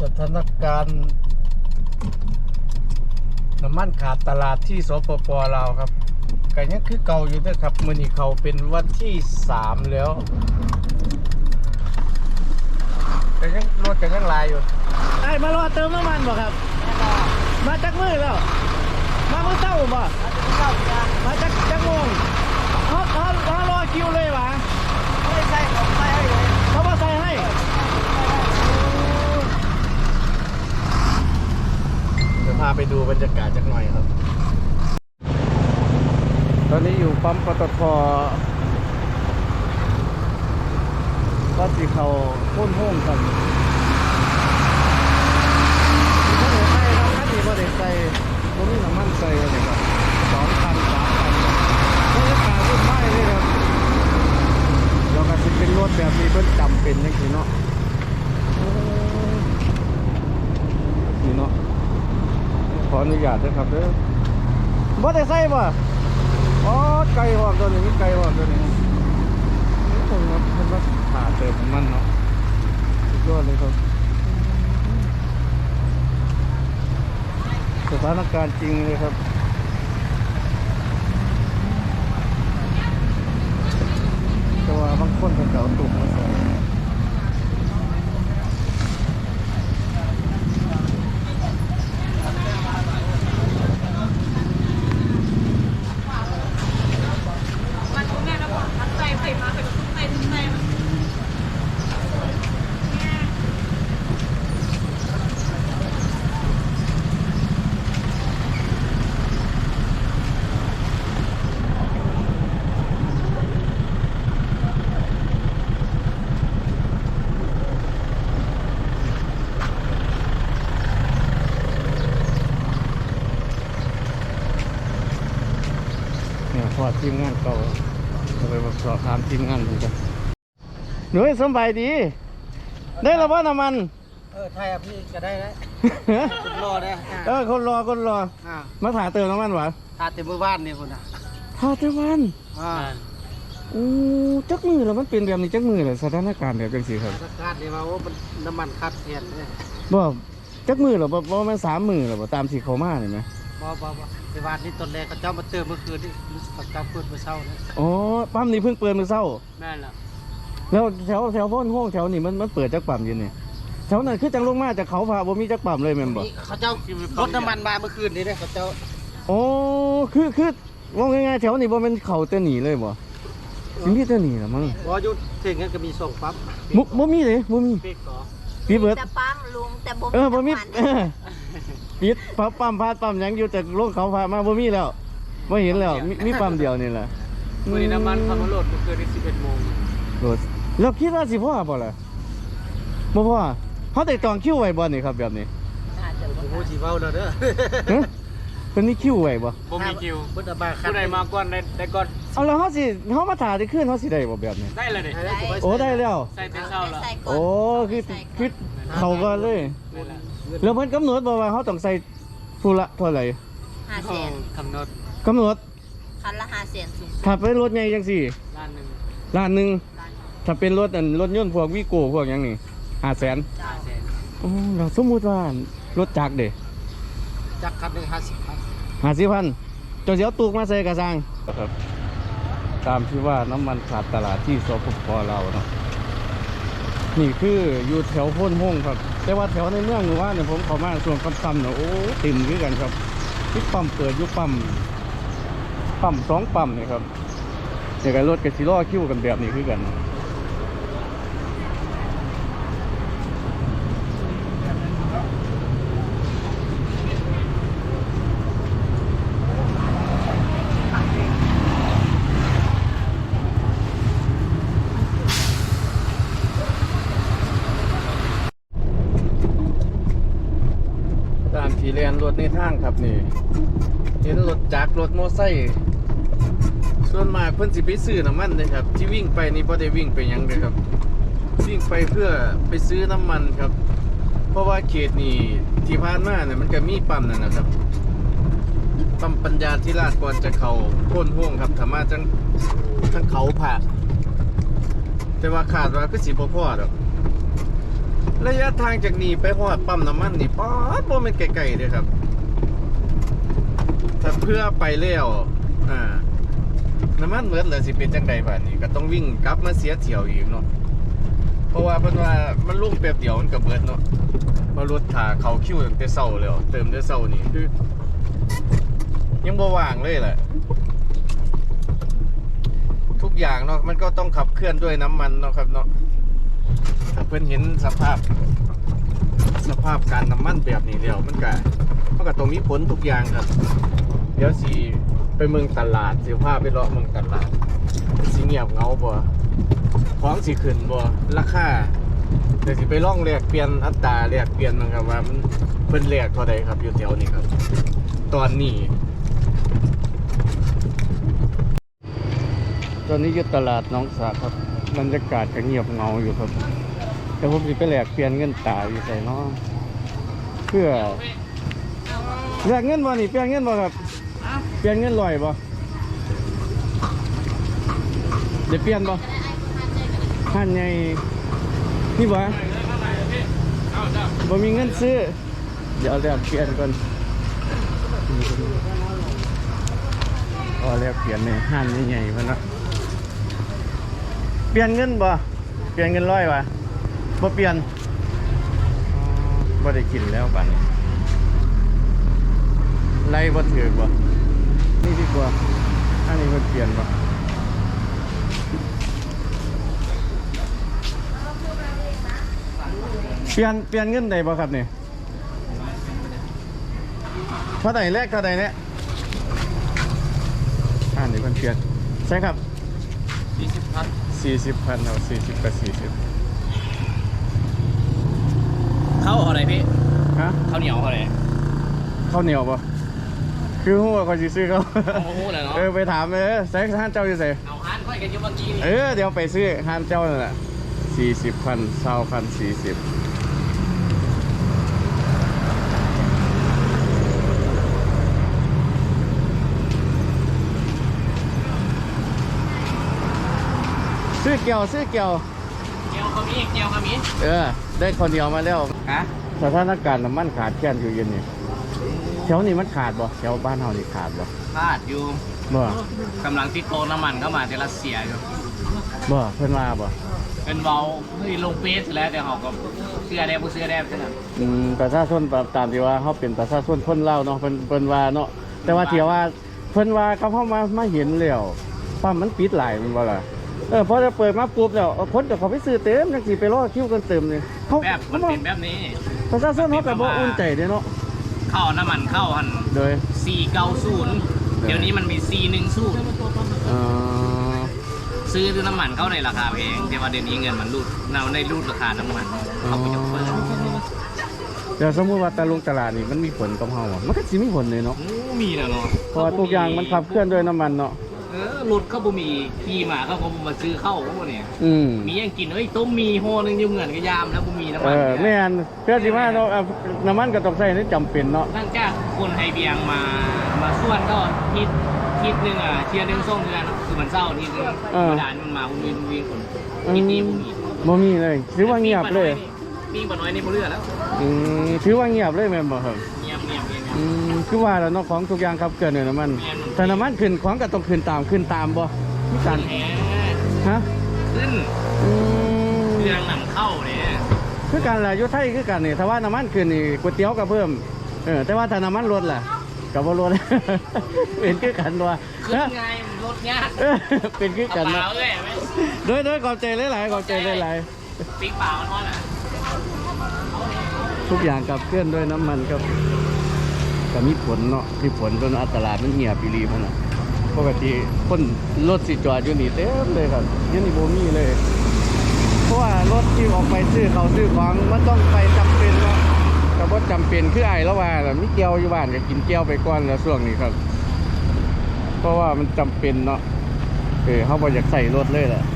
สถานการณ์น้ำมันขาดตลาดที่สปป.ลาวครับก็ยังคือเก่าอยู่ด้วยครับมื้อนี้เขาเป็นวันที่3แล้วแต่ยังรถก็ยังหลายอยู่ไอ้มารอเติมน้ำมันบ่ครับมาจากมือแล้วมาเมื่อเช้าบ่มาจากโมงเขารอคิวเลยวะไม่ใช่ผมใส่ให้เลยเขามาใส่ให้เดี๋ยวพาไปดูบรรยากาศจักหน่อยครับตอนนี้อยู่ปั๊มปตท.ก็สิเขาพุ่นห้องกันมีข้าวเหนียวไส้ครับข้าวเหนียวบะเด็ดใส่ตรงนี้น้ำมันใส่อะไรครับ2,000 3,000บรรยากาศรุ่นไม้เลยครับเราก็จะเป็นรถแบบนี้เพิ่นจำเป็นจริงๆเนาะนี่เนาะขออนุญาตด้วยครับเด้อบ่ได้ใส่บ่อ๋อไก่หอมตัวนี้มีไก่หอมตัวนี้นี่คงว่าเพิ่นว่าผ่าเติมน้ำมันเนาะสุดยอดเลยครับสถานการณ์จริงเลยครับแต่ว่าบางคนเป็นเก่าตุ่มมาใส่พอทีมงานเก่าเราไปสอบถามทีมงานดูกันหนุ่ยสบายดีได้แล้วว่าน้ำมันไทยพี่ก็ได้แล้วคนรอได้คนรอมาถ่ายเติมน้ำมันวะถ่ายเต็มมือบ้านนี่คนน่ะถ่ายเต็มบ้านจักมือแล้วมันเป็นแบบนี้จักมือเลยสถานการณ์แบบจังสิครับสถานการณ์นี่ว่ามันน้ำมันขาดแคลนเลยบ่จักมือหรอบ่มัน3 มือหรอบ่ตามที่เขามาเห็นไหมบ่ในวันนี้ตอนแรกเขาเจ้ามาเติมเมื่อคืนนี่เขาเจ้าเปิดเมื่อเช้านะอ๋อปั๊มนี้เพิ่งเปิดเมื่อเช้าแม่นแล้วแถวพ่นห้องแถวนี้มันเปิดจักปั๊มอยู่นี่แถวนั้นคือจังลงมาจากเขาพาบ่มีจักปั๊มเลยแม่นบ่เขาเจ้ารถน้ำมันมาเมื่อคืนนี่เด้เขาเจ้าอ๋อคือว่าง่ายๆแถวนี้บ่เป็นเขาแต่หนีเลยบ่สิมีแต่หนีล่ะมั้งบ่อยู่ถึงงั้นก็มี2ปั๊มบ่มีเลยบ่มีปิดเบิดแต่ปั๊มลุงแต่บ่มีปิดปั๊มพาดปั๊มยังอยู่แต่ลงเขาพามาบ่มีแล้วบ่เห็นแล้วมีปั๊มเดียวนี่แหละมื้อนี้น้ำมันเขามาโหลดเมื่อคืนที่11 โมงโหลดแล้วคิดว่าสิพอบ่ล่ะบ่พอเฮาได้จองคิวไว้บ่นี่ครับแบบนี้โอ้โหสิเว้าแล้วเด้อเพิ่นมีคิวไว้บ่มีคิวเพิ่นเอามาคันผู้ใดมาก่อนได้ก่อนเอาแล้วเฮามาถ่ายได้คืนเฮาสิได้บ่แบบนี้ได้แล้วนี่โอ้ได้แล้วใส่เป็นเช้าแล้วโอ้คือเข้าก่อนเลยแล้วเพิ่นกำหนดบอกว่าเขาต้องใส่ผู้ละเท่าไหร่500,000กำหนดคันละ500,000สูงถ้าเป็นรถใหญ่จังสี่ล้านหนึ่งถ้าเป็นรถยนต์พวกวีโก้พวกอย่างนี้500,000โอ้เราสมมุติว่ารถจักรเด้จักรคันหนึ่ง50,000จนเสียวตูกมาใส่กระซังครับตามที่ว่าน้ำมันขาดตลาดที่สปป.เราเนาะนี่คืออยู่แถวพ้นห้องครับแต่ว่าแถวในเมืองหรือว่าเนี่ยผมเข้ามาส่วนค่ำๆเนี่ยโอ้ติ่มด้วยกันครับที่ปั๊มเปิดยุคปั๊ม2 ปั๊มนี่ครับเดี๋ยวกันรถกับซีล้อคิ้วกันแบบนี้คือกันขี่เรียนรถในทางครับนี่เห็นรถจักรรถมอไซค์ส่วนมากเพิ่นสิไปซื้อน้ำมันเลยครับที่วิ่งไปนี่บ่ได้วิ่งไปยังเลยครับวิ่งไปเพื่อไปซื้อน้ำมันครับเพราะว่าเขตนี่ที่ผ่านมาเนี่ยมันก็มีปั๊มนั่นนะครับปั๊มปัญญาธิราชก่อนจะเข้าโค่นห้วงครับถ้ามาจังเขาผ่าแต่ว่าขาดว่าคือสิบ่พอดอกระยะทางจากนี้ไปฮอดปั๊มน้ำมันนี่ป๊อดบ่แม่นไกลๆเด้อครับถ้าเพื่อไปแล้วน้ำมันเบิดแล้วสิเป็นจังไดบัดนี้ก็ต้องวิ่งกลับมาเสียเที่ยวอีกเนาะเพราะว่าเพิ่นว่ามันลงแป๊บเดียวมันก็เบิดเนาะมารถถ่าเข้าคิวตั้งแต่เช้าแล้วเติมแต่เช้านี่คือยังบ่ว่างเลยแหละทุกอย่างเนาะมันก็ต้องขับเคลื่อนด้วยน้ำมันเนาะครับเนาะถ้าเพิ่นเห็นสภาพการน้ำมันแบบนี้แล้วมันก็ต้องมีผลทุกอย่างครับเดี๋ยวสิไปเมืองตลาดสิพาไปเลาะเมืองตลาดสิเงียบเงาบ่ของสิขึ้นบ่ราคาเดี๋ยวสิไปล่องแลกเปลี่ยนอัตราแลกเปลี่ยนนะครับว่ามันเพิ่นแลกเท่าใดครับอยู่แถวนี้ครับตอนนี้อยู่ตลาดหนองสาครับบรรยากาศก็เงียบเงาอยู่ครับแต่ผมสิไปแลกเปลี่ยนเงินตาอยู่ใส่เนาะเพื่อแลกเงินบ่นี่เปลี่ยนเงินบ่ครับเปลี่ยนเงินลอยบ่เดี๋ยวเปลี่ยนบ่หันใหญ่นี่บ่บ่มีเงินซื้อเดี๋ยวแลกเปลี่ยนก่อนแลกเปลี่ยนในหันใหญ่ๆพุ่นเนาะเปลี่ยนเงินบ่เปลี่ยนเงินร้อยบ่บ่เปลี่ยนบ่ได้กินแล้วบัดนี้ไล่บ่ถือบ่นี่ดีกว่าอันนี้มันเปลี่ยนบ่เปลี่ยนเงินได้บ่ครับนี่เท่าไหร่แรกเท่าไหร่เนี่ยอันนี้มันเปลี่ยนใช่ครับ40,000เอา40กับ40 ข้าวอะไรพี่ฮะข้าวเหนียวอะไรข้าวเหนียวป่ะคือหัวเขาสิซื้อเขาหัวเลยเนาะไปถามเลยใส่ห้านเจ้าอยู่ใส่เอาห้านค่อยกันอยู่เมื่อกี้นี่เดี๋ยวไปซื้อห้านเจ้านั่นแหละ40,000 20,000 40ซื้อเกี่ยวขมิ้นได้คนเดียวมาแล้วฮะสถานการณ์น้ำมันขาดแคลนอยู่เย็นนี่แถวนี้มันขาดบ่แถวบ้านเฮานี่ขาดบ่ขาดอยู่บ่กำลังติดโตน้ำมันเข้ามาจากรัสเซียอยู่บ่เพิ่นว่าบ่เป็นเบาลงเฟซแล้วแต่เขาก็เสื้อแดงเสื้อแดงใช่ไหมประชาชนตามที่ว่าเขาเป็นประชาชนคนลาวเนาะเพิ่นว่าเนาะแต่ว่าที่ว่าเพิ่นว่าเขาเข้ามาเห็นแล้วปั๊มมันปิดหลายมันบ่ล่ะพอจะเปิดมาปุ๊บแล้วคนจะเขาไปซื้อเต็มจังสิไปรอคิวกันเต็มเลยเขาแบบมันเป็นแบบนี้ประชาชนเขาแบบบ่อุ่นใจเด้เนาะเข้าน้ำมันเข้าหันโดย 490เดี๋ยวนี้มันมี410ซื้อน้ำมันเข้าในราคาแพงแต่ว่าเดี๋ยวนี้เงินมันรูดในรูดราคาน้ำมันเขาไปยกเพิ่มแต่สมมติว่าตลาดนี่มันมีผลกับเฮามันก็สิมีผลเลยเนาะมีแล้วเนาะเพราะทุกอย่างมันขับเคลื่อนด้วยน้ำมันเนาะรถเขาบ่มีขี่มาเขาบ่มาซื้อเข้าพวกเนี่ยมียังกินต้มมีห่อนึงอยู่เหมือนกับยามแล้วบ่มีน้ำมันแม่นเพื่อสิว่าเนาะน้ำมันก็ต้องใช้นี่จำเป็นเนาะหลังจากคนไทยเบียงมาส่วนก็ทิศนึงเชียร์นึงส่งเดือนคือมันเศร้านิดนึงธรรมดามันมาวิ่งคนทิศนี้บ่มีเลยถือว่าเงียบเลยปิ้งปลาน้อยนี่บ่เลือแล้วถือว่าเงียบเลยแม่นบ่ครับเงียบคือว่าแล้วเนาะของทุกอย่างครับเกิดเนี่ยน้ำมันแต่น้ำมันขึ้นของก็ต้องขึ้นตามบ่มีการฮะขึ้นเรื่องนำเข้าเนี่ยคือการแหละยุทธไทยคือกันนี่ถ้าว่าน้ำมันขึ้นนี่ก๋วยเตี๋ยวก็เพิ่มแต่ว่าถ้าน้ำมันลดล่ะก็บ่ลดเป็นคือกันว่าขึ้นไงลดยากเป็นคือกันนะโดยขอบใจหลายๆขอบใจหลายๆปิ๊กเปล่ามันทอดทุกอย่างกับเคลื่อนด้วยน้ำมันครับก็มีผลเนาะมีผลจนตลาดมันเหี่ยปีรีพวกนั้นปกติคนรถสิจอดอยู่นี่เต็มเลยครับยังนี่โบมี่เลยเพราะว่ารถที่ออกไปซื้อของมันต้องไปจำเป็นเนาะแต่ว่าจำเป็นคือไอ้แล้วว่ามีเกี๊ยวอยู่บ้านก็กินเกี๊ยวไปก่อนแล้วช่วงนี้ครับเพราะว่ามันจำเป็นเนาะเขาบอกอยากใส่รถเลยแหละ